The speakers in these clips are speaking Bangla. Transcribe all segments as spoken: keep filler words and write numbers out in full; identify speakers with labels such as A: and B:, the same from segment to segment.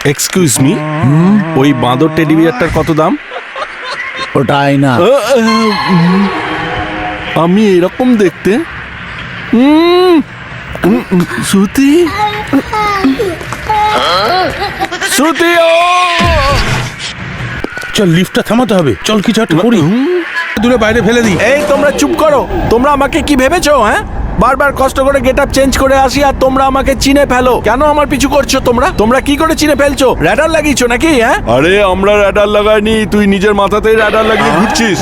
A: এক্সকিউজ মি, ওই বাঁদর টেডি বিয়ারটার কত দাম?
B: ওটাই না,
A: আমি এরকম দেখতে। উম, উম, উম, শ্রুতি শ্রুতি ও
C: চল লিফটটা থামাতে হবে, চল কিছু একটা করি, দূরে বাইরে ফেলে দিই।
A: এই তোমরা চুপ করো। তোমরা আমাকে কি ভেবেছো? হ্যাঁ, বারবার কষ্ট করে গেট আপ চেঞ্জ করে আসি আর তোমরা আমাকে চিনে ফেলো। কেন আমার পিছু করছো তোমরা? তোমরা কি করে চিনে ফেলছো? র্যাডার লাগিয়েছো নাকি? হ্যাঁ, আরে আমরা র্যাডার লাগাইনি, তুই নিজের মাথাতেই র্যাডার লাগিয়ে ঘুরছিস।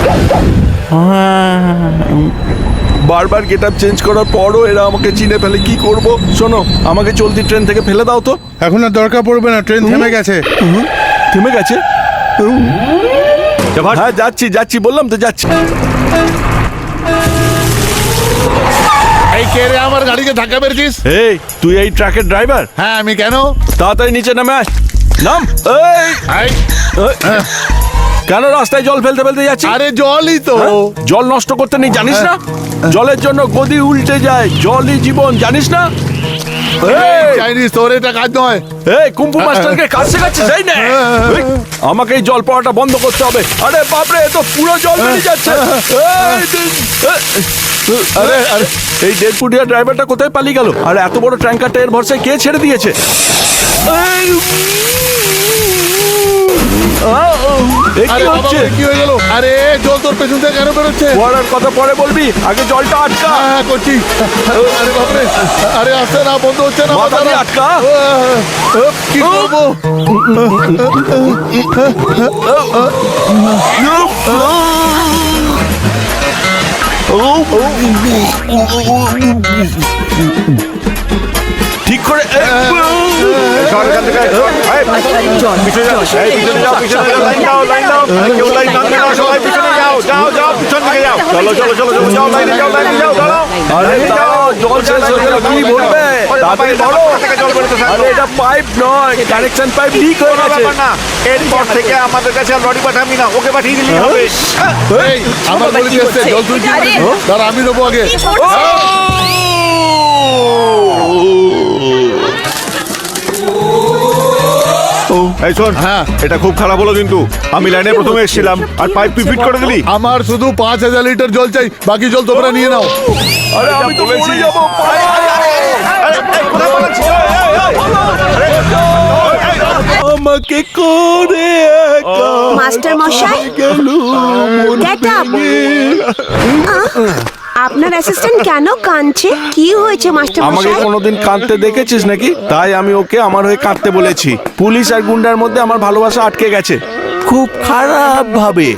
A: বারবার গেট আপ চেঞ্জ করার পরও এরা আমাকে চিনে ফেলে, কি করব? শোনো, আমাকে চলতি ট্রেন থেকে ফেলে দাও তো।
C: এখন আর দরকার পড়বে না, ট্রেন থেমে গেছে।
A: থেমে গেছে? হ্যাঁ যাচ্ছি যাচ্ছি, বললাম তো যাচ্ছি।
B: এই কে রে আমার গাড়িকে ধাক্কা মেরেছিস?
A: এই তুই এই ট্রাকের ড্রাইভার?
B: হ্যাঁ আমি। কেন?
A: তাড়াতাড়ি নিচে নামে আস। নাম। এই
B: এই,
A: এই, কেন রাস্তায় জল ফেলতে ফেলতে যাচ্ছি?
B: আরে জলই তো।
A: হ্যাঁ? জল নষ্ট করতে নেই জানিস না? জলের জন্য গদি উল্টে যায়, জলই জীবন, জানিস না? এই,
B: চাইনিজ, তোর এটা কাজ নয়।
A: এই কুম্ফু মাস্টারকে কাজ শেখাচ্ছিস? এই নে, এই, আমাকে এই জল পড়াটা বন্ধ করতে হবে। আরে বাপরে, এ তো পুরো জল বেরিয়ে যাচ্ছে। এই, এই, আরে আরে এই দেড় ফুটিয়া ড্রাইভারটা কোথায় পালিয়ে গেল? আর এত বড় ট্যাঙ্কারটা এর ভরসায় কে ছেড়ে দিয়েছে? এই, আহ, এ কি
B: আরে বাবা,
A: হচ্ছে?
B: কি হয়ে গেল? আরে জল তোর পেছন থেকে কেন বেরোচ্ছে?
A: পড়ার কথা পরে বলবি, আগে জলটা আটকা।
B: হ্যাঁ হ্যাঁ, করছি। আরে বাপরে, আরে আসছে না, বন্ধ হচ্ছে না।
A: মাথা দিয়ে আটকা।
B: কি করবো?
A: ঠিক করে জল শেষ হয়ে গেল, কি বলবে? এটা পাইপ নয়, কানেকশন পাইপ লিক হয়ে গেছে।
D: এরপর থেকে আমাদের কাছে আর লরি পাঠাবি না, ওকে পাঠিয়ে দিলেই হবে।
B: এই, আমার বলে দিয়েছে জল তুই কি করিস? দাঁড়া, আমি নেবো আগে।
D: এই শোন,
B: হ্যাঁ।
D: এটা খুব খারাপ হলো কিন্তু। আমি লাইনে প্রথমে এসেছিলাম আর পাইপ তুই ফিট করে দিলি।
B: আমার শুধু পাঁচ হাজার লিটার জল চাই, বাকি জল তোমরা নিয়ে নাও।
A: আরে আমি তো বলেছি যাবো। আমাকে করে
E: মাস্টার মশাই, Get up! আপনার অ্যাসিস্ট্যান্ট কেন কাঁদছে? কি হয়েছে মাস্টার
A: আমাকে
E: মশাই?
A: কোনোদিন কাঁদতে দেখেছিস নাকি? তাই আমি ওকে আমার হয়ে কাঁদতে বলেছি। পুলিশ আর গুন্ডার মধ্যে আমার ভালোবাসা আটকে গেছে খুব খারাপ ভাবে।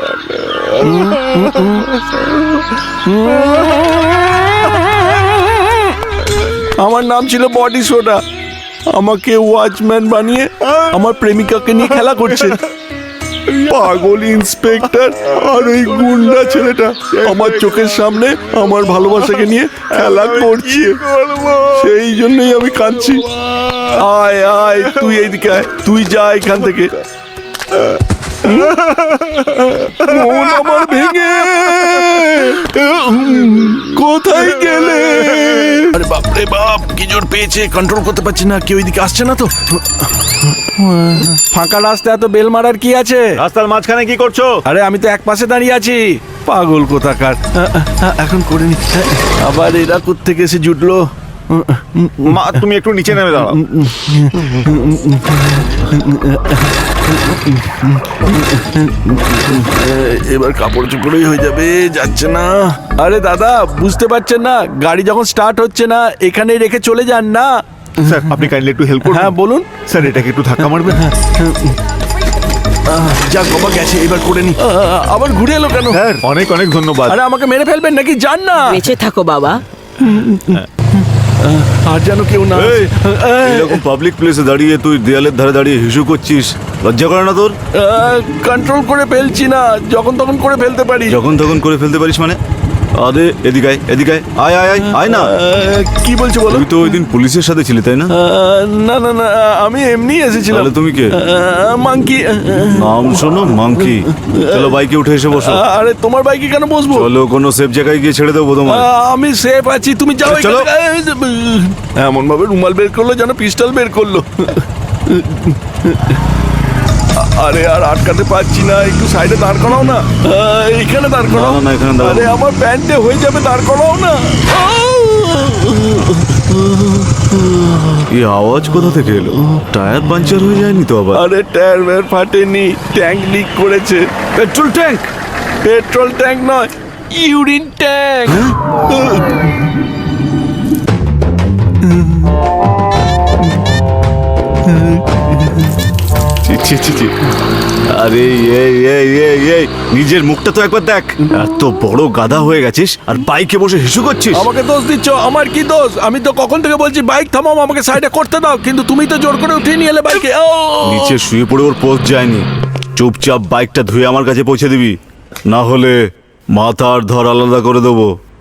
A: আমার নাম ছিল বডি সোডা। আমাকে ওয়াচম্যান বানিয়ে আমার প্রেমিকাকে নিয়ে খেলা করছে। পাগল ইন্সপেক্টর আর ওই গুন্ডা ছেলেটা আমার চোখের সামনে আমার ভালোবাসাকে নিয়ে খেলা করছে। সেই জন্যই আমি কাঁদছি। আয় আয়, তুই এইদিকে আয়, তুই যা এখান থেকে। মন আমার ভেঙে কোথায় গেলে? আরে বাপ রে বাপ, কি জোর পেয়েছে, কন্ট্রোল করতে পারছি না। কেউ এদিকে আসছে না তো? ফাঁকা রাস্তা এত বেল মারার কি আছে?
D: রাস্তার মাঝখানে কি করছো?
A: আরে আমি তো এক পাশে দাঁড়িয়ে আছি। পাগল কোথাকার। এখন করে নি। আবার এরা কোত্থেকে এসে জুটলো?
D: মা, তুমি একটু নিচে নেমে দাঁড়াও।
A: এবার কাপড় চোপড়ই হয়ে যাবে, যাচ্ছে না। আরে দাদা, বুঝতে পারছেন না? গাড়ি যখন স্টার্ট হচ্ছে না, এখানেই রেখে চলে যান না।
D: স্যার, আপনি কাইন্ডলি একটু হেল্প করুন।
A: হ্যাঁ বলুন।
D: স্যার, এটাকে একটু ধাক্কা মারবেন।
A: যাক বাবা, গেছে, এবার করে নি। আবার ঘুরে এলো কেন?
D: স্যার, অনেক অনেক ধন্যবাদ।
A: আরে আমাকে মেরে ফেলবেন নাকি? যান না।
F: বেঁচে থাকো বাবা।
A: আর যেন কেউ না।
D: এই, এরকম পাবলিক প্লেসে দাঁড়িয়ে তুই দেয়ালের ধারে দাঁড়িয়ে হিসু করছিস, লজ্জা করে না তোর?
A: কন্ট্রোল করে ফেলছি না, যখন তখন করে ফেলতে পারি।
D: যখন তখন করে ফেলতে পারিস মানে? আরে এদিকে আয়, এদিকে আয়, আয় আয় আয় আয় না।
A: আহ, কি বলছো বলো?
D: তুই তো ওই দিন পুলিশের সাথে ছিলি তাই না?
A: আহ, না না না, আমি এমনি এসেছিলাম।
D: তাহলে তুমি কে?
A: মাংকি।
D: নাম শোনো, মাংকি। চলো বাইকে উঠে এসে বসো।
A: আরে তোমার বাইকে কেন বসবো?
D: চলো কোনো সেফ জায়গায় গিয়ে ছেড়ে দেবো তোমার।
A: আহ, আমি সেফ আছি, তুমি যাও।
D: চলো।
A: এমন ভাবে রুমাল বের করলো যেন পিস্টল বের করলো। আরে আর আটকাতে পারছি না, একটু সাইডে দাঁড় করাও না। আহ, এখানে দাঁড় করাও।
D: না, না, এখানে দাঁড়াবো।
A: আরে আমার প্যান্টে হয়ে যাবে, দাঁড় করাও না।
D: এই আওয়াজ কোথা থেকে এলো? টায়ার পাঞ্চার হয়ে যায়নি তো আবার?
A: আরে টায়ার ওয়্যার ফাটেনি, ট্যাঙ্ক লিক করেছে।
D: Petrol tank?
A: পেট্রোল ট্যাঙ্ক নয়, ইউরিন ট্যাঙ্ক।
D: ছি, ছি, ছি, ছি। আরে এই এই এই এই নিজের মুখটা তো একবার দেখ। এত বড় গাধা হয়ে গেছিস আর বাইকে বসে হিসু করছিস।
A: আমাকে দোষ দিচ্ছ? আমার কি দোষ? আমি তো কখন থেকে বলছি বাইক থামাও, আমাকে সাইডে করতে দাও, কিন্তু তুমি তো জোর করে উঠিয়ে নিয়ে এলে বাইকে। ও!
D: নিচে শুয়ে পড়ে ওর পোস্ট যায়নি। চুপচাপ বাইকটা ধুয়ে আমার কাছে পৌঁছে দিবি, না হলে মাথা আর ধর আলাদা করে দেবো।